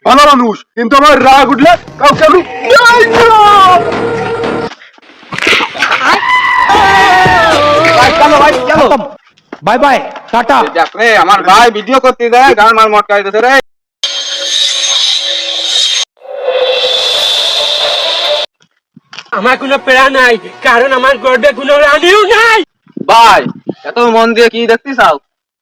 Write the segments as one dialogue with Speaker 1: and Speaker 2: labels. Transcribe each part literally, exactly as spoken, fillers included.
Speaker 1: ভালো মানুষ, কিন্তু আমার রাগ উঠলে কাউকে আমি
Speaker 2: চলো ভাই চলো, বাই বাই, টাটা।
Speaker 3: দেখ রে আমার ভাই ভিডিও করতে দেয়, গান মার মটকাইতেছে রে।
Speaker 4: আমার কোনো প্যারা নাই, কারণ আমার গর্বে কোনো রানীও নাই।
Speaker 3: ভাই এত মন দিয়ে কি দেখতে চাও?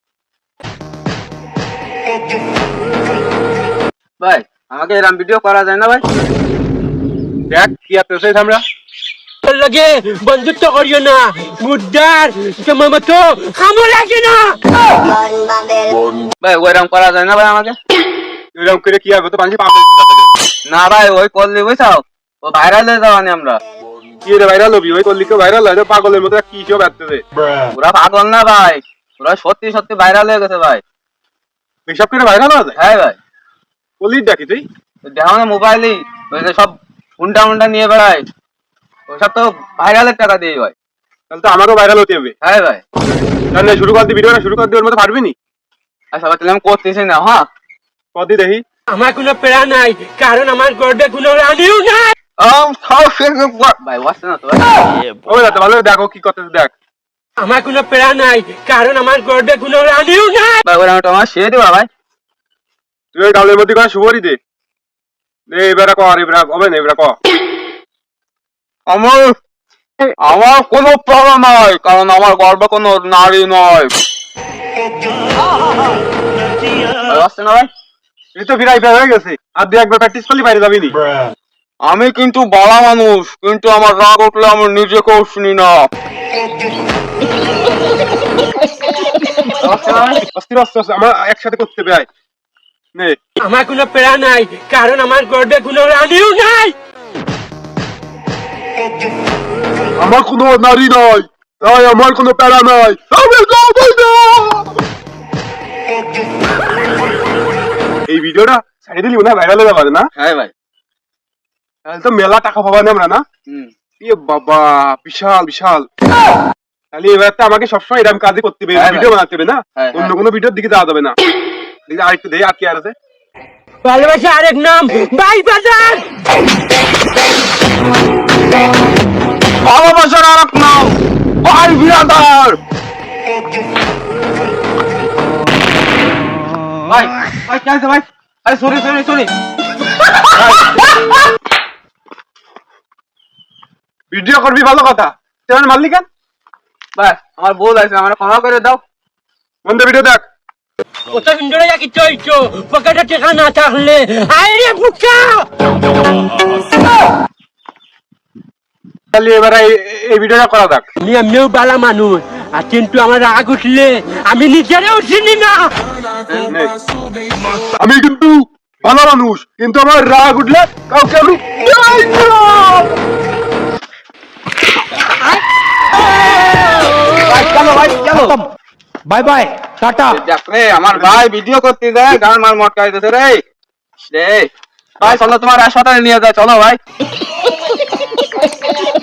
Speaker 3: ভাই আমাকে এরকম ভিডিও করা যায় না ভাই?
Speaker 1: দেখ কি করতেছে আমরা।
Speaker 4: তোর লগে বন্ধুত্ব করিও না, মুদ্রার তোমার মতো খামো লাগে না।
Speaker 3: ভাই ওইরকম করা যায় না ভাই আমাকে?
Speaker 1: এরকম করে কি হবে তো মানুষ পাবে
Speaker 3: না ভাই ওই করলে বুঝছাও, ও ভাইরাল হয়ে যাওয়ানি আমরা।
Speaker 1: কি রে ভাইরাল হবি? ওই করলি কেউ ভাইরাল হয়? পাগলের মতো কি সব আসতেছে।
Speaker 3: ওরা পাগল না ভাই, ওরা সত্যি সত্যি ভাইরাল হয়ে গেছে ভাই।
Speaker 1: এসব করে ভাইরাল হয়ে যায়?
Speaker 3: হ্যাঁ ভাই।
Speaker 1: বলিস দেখি তুই
Speaker 3: দেখো না মোবাইলেই ওই যে সব হুন্ডা মুন্ডা নিয়ে বেড়ায়, ওইসব তো ভাইরালের টাকা দিয়ে ভাই।
Speaker 1: তাহলে তো আমাকেও ভাইরাল হতে হবে।
Speaker 3: হ্যাঁ ভাই।
Speaker 1: তাহলে শুরু করতে ভিডিওটা শুরু করতে ওর মতো পারবি নি?
Speaker 3: আচ্ছা ভাই তাহলে আমি করতেছি না। হ্যাঁ
Speaker 1: কদি দেখি।
Speaker 4: আমার কোনো প্যারা নাই, কারণ আমার গর্বে কোনো রানীও নাই।
Speaker 3: ভাই ওয়াসে না তো ভাই।
Speaker 1: ওই দাদা ভালো দেখো কি করতেছে দেখ।
Speaker 4: আমার কোনো প্যারা নাই, কারণ আমার গর্বে কোনো রানীও নাই।
Speaker 3: ভাই ওরা তোমার সে দিবা ভাই।
Speaker 1: তুই ওই ডালের মধ্যে করে শুভরি দে। এবারে কর, এবারে হবে না, এবারে কর।
Speaker 3: আমার আমার কোনো প্রবলেম নয়, কারণ আমার গর্বে কোনো নারী নয়। আসছে না ভাই?
Speaker 1: এই তো ফিরাই হয়ে গেছে, আর দুই একবার প্র্যাকটিস করলে বাইরে যাবি নি।
Speaker 3: আমি কিন্তু বড় মানুষ, কিন্তু আমার রাগ উঠলে আমি নিজেকেও শুনি না।
Speaker 1: অস্থির অস্ত্র আমরা একসাথে করতে হবে। নে
Speaker 4: আমার কোনো প্যারা নাই, কারণ আমার গর্বে কোনো রানীও নাই।
Speaker 1: আমার কোনো নারী নয়, তাই আমার কোনো প্যারা নাই। আমি যাবই না। এই ভিডিওটা সাইডে দিলি না, ভাইরাল হয়ে যাবে না?
Speaker 3: হ্যাঁ ভাই।
Speaker 1: তাহলে তো মেলা টাকা পাবানি আমরা না?
Speaker 3: হুম।
Speaker 1: ইয়ে বাবা, বিশাল বিশাল। তাহলে এবার তো আমাকে সবসময় এরকম কাজই করতে হবে,
Speaker 3: হ্যাঁ
Speaker 1: ভিডিও
Speaker 3: ভাই।
Speaker 1: বানাতে হবে না?
Speaker 3: হ্যাঁ,
Speaker 1: অন্য
Speaker 3: হ্যাঁ।
Speaker 1: কোনো ভিডিওর দিকে যাওয়া যাবে না। দেখি আরেকটু দেই, আর কি আর আছে?
Speaker 4: ভালোবাসা আরেক নাম ভাই বাজার।
Speaker 3: ভালোবাসার আর এক নাম ভাই বিরাদার। ভাই ভাই কি আছে ভাই? আরে সরি সরি সরি।
Speaker 1: ভিডিও করবি ভালো কথা, তুই মারলি কেন?
Speaker 3: ভাই আমার বউ আছে, আমার ক্ষমা করে দাও।
Speaker 1: বন্ধু ভিডিও দেখ।
Speaker 4: কত সুন্দর কি চইছো, পকেটে টাকা না থাকলে আরে বুকা।
Speaker 1: তাহলে এবার এই ভিডিওটা করা যাক।
Speaker 4: আমি এমনিও বালা মানুষ, আর কিন্তু আমার রাগ উঠলে আমি নিজেরাও চিনি না।
Speaker 1: নে। আমি কিন্তু ভালো মানুষ, কিন্তু আমার রাগ উঠলে কাউকে আমি
Speaker 2: চলো ভাই চলো, বাই বাই, টাটা।
Speaker 3: দেখ রে আমার ভাই ভিডিও করতে দেয়, গান মার মটকাইতেছে রে। রে ভাই চলো তোমার হাসপাতালে নিয়ে যায়, চলো ভাই।